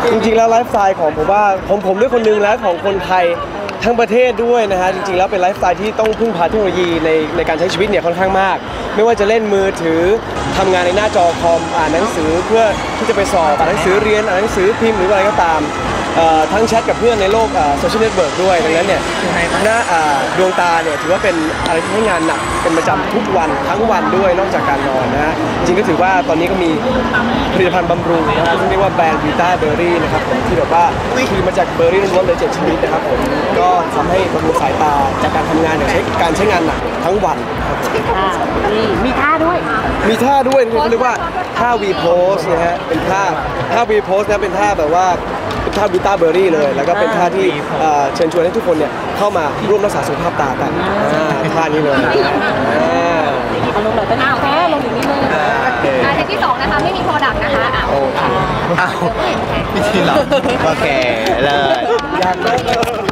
จริงๆแล้วไลฟ์สไตล์ของผมว่าผมด้วยคนหนึ่งแล้วของคนไทยทั้งประเทศด้วยนะฮะจริงๆแล้วเป็นไลฟ์สไตล์ที่ต้องพึ่งพาเทคโนโลยีในการใช้ชีวิตเนี่ยค่อนข้างมากไม่ว่าจะเล่นมือถือทำงานในหน้าจอคอมอ่านหนังสือเพื่อที่จะไปสอบอ่านหนังสือเรียนอ่านหนังสือพิมพ์หรืออะไรก็ตามทั้งแชทกับเพื่อนในโลกโซเชียลเน็ตเวิร์กด้วยดังนั้นเนี่ยหน้าดวงตาเนี่ยถือว่าเป็นอะไรที่ให้งานหนักเป็นประจำทุกวันทั้งวันด้วยนอกจากการนอนนะฮะจริงก็ถือว่าตอนนี้ก็มีผลิตภัณฑ์บำรุงนะครับซึ่งเรียกว่าแบรนด์วีต้าเบอร์รี่นะครับที่แบบว่าคือมาจากเบอร์รี่ล้วนๆเลย7 ชนิดนะครับผมก็ทำให้บำรุงสายตาจากการทำงานการใช้งานหนักทั้งวันครับผมนี่มีท่าด้วยเขาเรียกว่าท่า V pose นะฮะเป็นท่า V pose นะเป็นท่าแบบว่าท่าวิต้าเบอร์รี่เลยแล้วก็เป็นท่าที่เชิญชวนให้ทุกคนเนี่ยเข้ามาร่วมรักษาสุขภาพตากันท่านี้เลยเอาลงเลยเป็นอ้าวแค่ลงอย่างนี้เลยเทปที่2นะคะไม่มีโปรดักต์นะคะโอเคอ้าวไม่ใช่หรอโอเคเลยยากเลย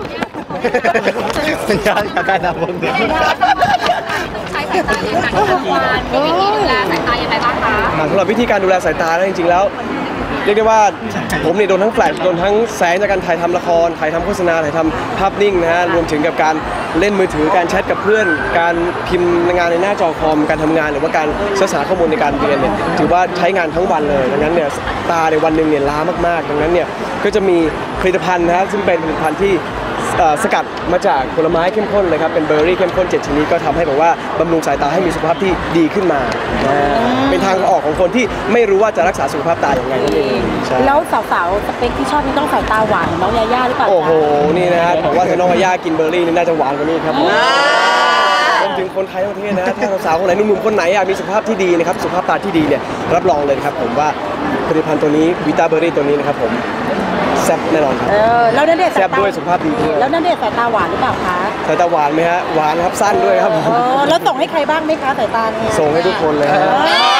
มันยากกับการทำพวกนี้ใช้สายตาอย่างหนักทั้งวันมีวิธีดูแลสายตายังไงบ้างคะสำหรับวิธีการดูแลสายตาแล้วจริงๆแล้วเรียกได้ว่าผมเนี่ยโดนทั้งแฟลชโดนทั้งแสงจากการถ่ายทำละครถ่ายทำโฆษณาถ่ายทำภาพนิ่งนะฮะรวมถึงกับการเล่นมือถือการแชทกับเพื่อนการพิมพ์งานในหน้าจอคอมการทำงานหรือว่าการศึกษาข้อมูลในการเรียนเนี่ยถือว่าใช้งานทั้งวันเลยดังนั้นเนี่ยตาในวันหนึ่งเนี่ยล้ามากๆดังนั้นเนี่ยก็จะมีผลิตภัณฑ์นะฮะซึ่งเป็นผลิตภัณฑ์ที่สกัดมาจากผลไม้เข้มข้นเลยครับเป็นเบอร์รี่เข้มข้น7 ชนิดก็ทำให้แบบว่าบำรุงสายตาให้มีสุขภาพที่ดีขึ้นมาเป็นทางออกของคนที่ไม่รู้ว่าจะรักษาสุขภาพตาอย่างไรนั่นเองแล้วสาวๆสเปคที่ชอบนี่ต้องสายตาหวานน้องยาย่าหรือเปล่าโอ้โหนี่นะฮะผมว่าถ้าน้องยาย่ากินเบอร์รี่นี่น่าจะหวานกว่านี้ครับรวมถึงคนไทยทั้งประเทศนะถ้าสาวคนไหนหนุ่มๆคนไหนอยากมีสุขภาพที่ดีนะครับสุขภาพตาที่ดีเนี่ยรับรองเลยครับผมว่าผลิตภัณฑ์ตัวนี้วิต้าเบอร์รี่ตัวนี้นะครับผมแซ่บแน่นอนครับแล้วนั่นเด็ดแซ่บด้วยสุขภาพดีด้วยแล้วนั่นเด็ดสายตาหวานหรือเปล่าคะสายตาหวานไหมฮะหวานครับสั้นด้วยครับแล้วส่งให้ใครบ้างไหมคะสายตาเนี่ยส่งให้ทุกคนเลยฮะ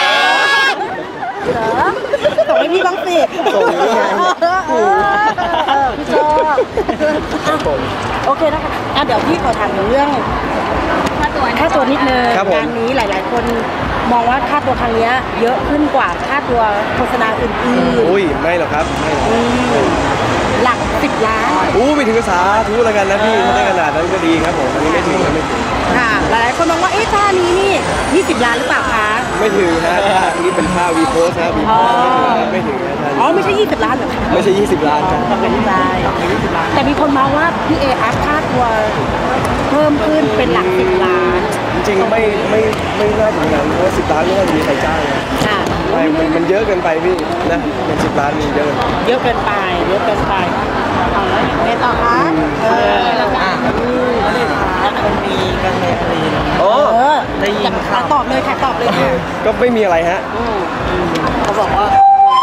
ส่งให้พี่บ้างสิส่งให้พี่ชอบโอเคนะคะเดี๋ยวพี่ขอถามเรื่องค่าตัวนิดนึงงานนี้หลายๆคนมองว่าค่าตัวครั้งนี้เยอะขึ้นกว่าค่าตัวโฆษณาอื่นๆอุ้ยไม่หรอกครับหลัก10 ล้านไม่ถึงสาธุแล้วกันนะพี่ถ้าได้ขนาดนั้นก็ดีครับผมอันนี้ไม่ถึงค่ะหลายคนมองว่าท่านี้นี่20 ล้านหรือเปล่าคะไม่ถึงฮะท่านี้เป็นท่าวีโพสนะวีโพสไม่ถึงนะท่านไม่ใช่20 ล้านหรอไม่ใช่20 ล้านครับแต่มีคนมองว่าพี่เออัพค่าตัวเพิ่มขึ้นเป็นหลัก10 ล้านจริงๆไม่น่าถึงนั้นเพราะ10 ล้านไม่น่าจะมีใครจ้างนะมันเยอะเกินไปพี่นะเป็น10 ล้านมีเยอะเกินไปเอาแล้วไงต่อคะแล้วมันมีกันในอะไรได้ยินค่ะตอบเลยก็ไม่มีอะไรฮะเขาบอกว่า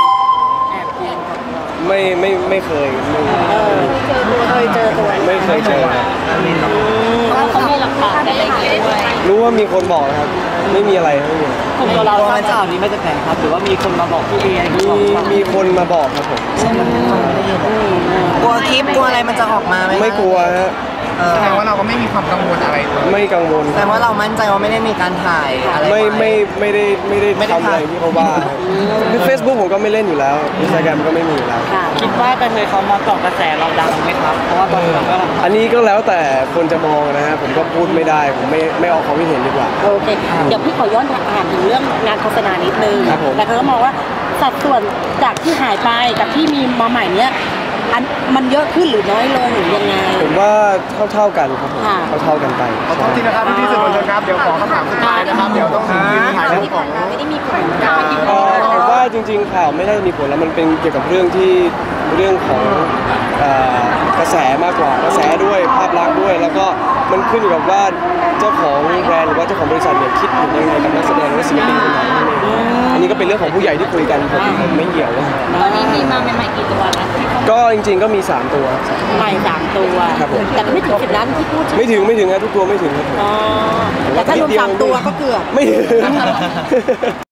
ไม่เคยเจอตัวไม่เคยเจอเขามีหลักฐานอะไรอย่างเงี้ยรู้ว่ามีคนบอกครับไม่มีอะไรไม่มีกลุ่มเราทราบข่าวนี้มาจากไหนครับหรือว่ามีคนมาบอกพี่เอมีคนมาบอกครับผมกลัวคลิปกลัวอะไรมันจะออกมาไหมไม่กลัวฮะแสดงว่าเราก็ไม่มีความกังวลอะไรไม่กังวลแสดงว่าเรามั่นใจว่าไม่ได้มีการถ่ายอะไรไม่ได้ทำอะไรที่เขาว่าคือ Facebook ผมก็ไม่เล่นอยู่แล้ว Instagram ก็ไม่มีอยู่แล้วคิดว่ากันเลยเขามาเกาะกระแสเราดังไหมครับเพราะว่าตอนนี้ก็อันนี้ก็แล้วแต่คนจะมองนะฮะผมก็พูดไม่ได้ผมไม่ออกความคิดเห็นดีกว่าโอเคเดี๋ยวพี่ขอย้อนถามถึงเรื่องงานโฆษณานิดนึงแต่เขาก็มองว่าสัดส่วนจากที่หายไปกับที่มีมาใหม่เนี้ยมันเยอะขึ้นหรือน้อยลงหรือยังไงผมว่าเท่ากันครับเท่ากันไปขอโทษทีนะครับพี่สื่อมวลชนครับเดี๋ยวขอคำถามสุดท้ายนะครับเดี๋ยวต้องถ่ายเรื่องของไม่ได้มีผลผมว่าจริงๆข่าวไม่ได้มีผลแล้วมันเป็นเกี่ยวกับเรื่องของกระแสมากกว่ากระแสด้วยภาพลักษณ์ด้วยแล้วก็มันขึ้นอยู่กับว่าเจ้าของแบรนด์หรือว่าเจ้าของบริษัทเนี่ยคิดยังไงกับนักแสดงและศิลปินคนไหนอันนี้ก็เป็นเรื่องของผู้ใหญ่ที่คุยกันผมไม่เกี่ยวตอนนี้มีมาใหม่กี่ตัวแล้วก็จริงๆก็มี3 ตัวใหม่3 ตัวแต่ไม่ถึง10 ล้านที่พูดไม่ถึงนะทุกตัวไม่ถึงครับแต่ถ้ารวม3 ตัวก็เกือบไม่ถึง